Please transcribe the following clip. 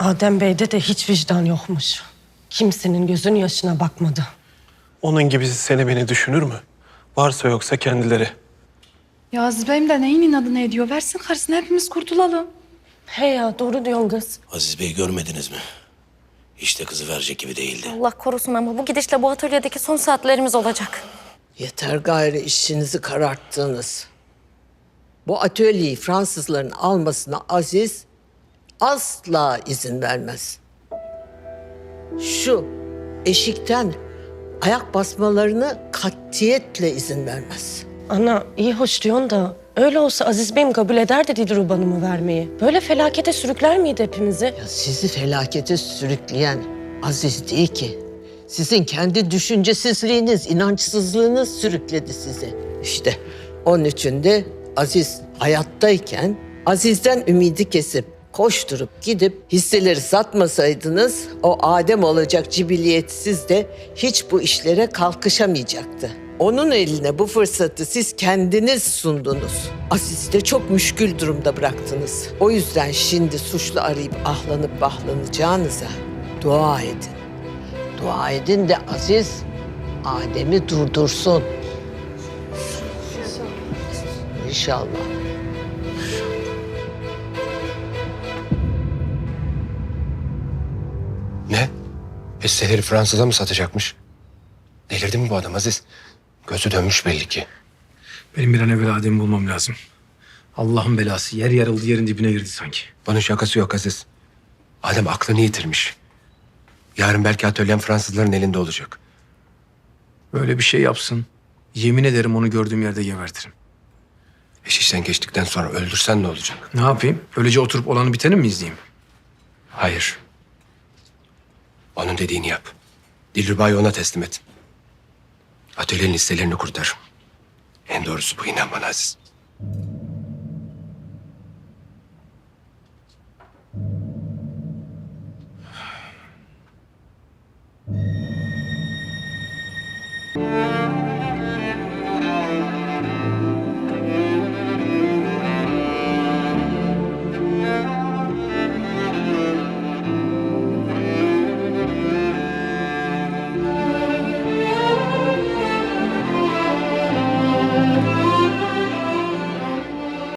Adem Bey'de de hiç vicdan yokmuş. Kimsenin gözünün yaşına bakmadı. Onun gibisi seni beni düşünür mü? Varsa yoksa kendileri. Ya Aziz Bey'im de neyin inadını ediyor? Versin karısını, hepimiz kurtulalım. He ya, doğru diyorsun kız. Aziz Bey görmediniz mi? Hiç de kızı verecek gibi değildi. Allah korusun ama bu gidişle bu atölyedeki son saatlerimiz olacak. Yeter gayrı işinizi kararttınız. Bu atölyeyi Fransızların almasına Aziz asla izin vermez. Şu eşikten ayak basmalarını katiyetle izin vermez. Ana iyi hoş diyorsun da öyle olsa Aziz Bey'im kabul ederdi Dilruba Hanım'ı vermeyi. Böyle felakete sürükler miydi hepimizi? Ya sizi felakete sürükleyen Aziz değil ki. Sizin kendi düşüncesizliğiniz, inançsızlığınız sürükledi sizi. İşte onun için de Aziz hayattayken Aziz'den ümidi kesip koşturup gidip hisseleri satmasaydınız o Adem olacak cibiliyetsiz de hiç bu işlere kalkışamayacaktı. Onun eline bu fırsatı siz kendiniz sundunuz. Aziz'i de çok müşkül durumda bıraktınız. O yüzden şimdi suçlu arayıp ahlanıp bahlanacağınıza dua edin. Dua edin de Aziz Adem'i durdursun. İnşallah. Ne? Hisseleri Fransız'a mı satacakmış? Delirdi mi bu adam Aziz? Gözü dönmüş belli ki. Benim bir an evvel Adem'i bulmam lazım. Allah'ın belası. Yer yarıldı, yerin dibine girdi sanki. Bunun şakası yok Aziz. Adem aklını yitirmiş. Yarın belki atölyem Fransızların elinde olacak. Böyle bir şey yapsın. Yemin ederim onu gördüğüm yerde gebertirim. İş işten geçtikten sonra öldürsen ne olacak? Ne yapayım? Öylece oturup olanı biteni mi izleyeyim? Hayır. Onun dediğini yap. Dilruba'yı ona teslim et. Atölyenin hisselerini kurtar. En doğrusu bu, inan bana Aziz.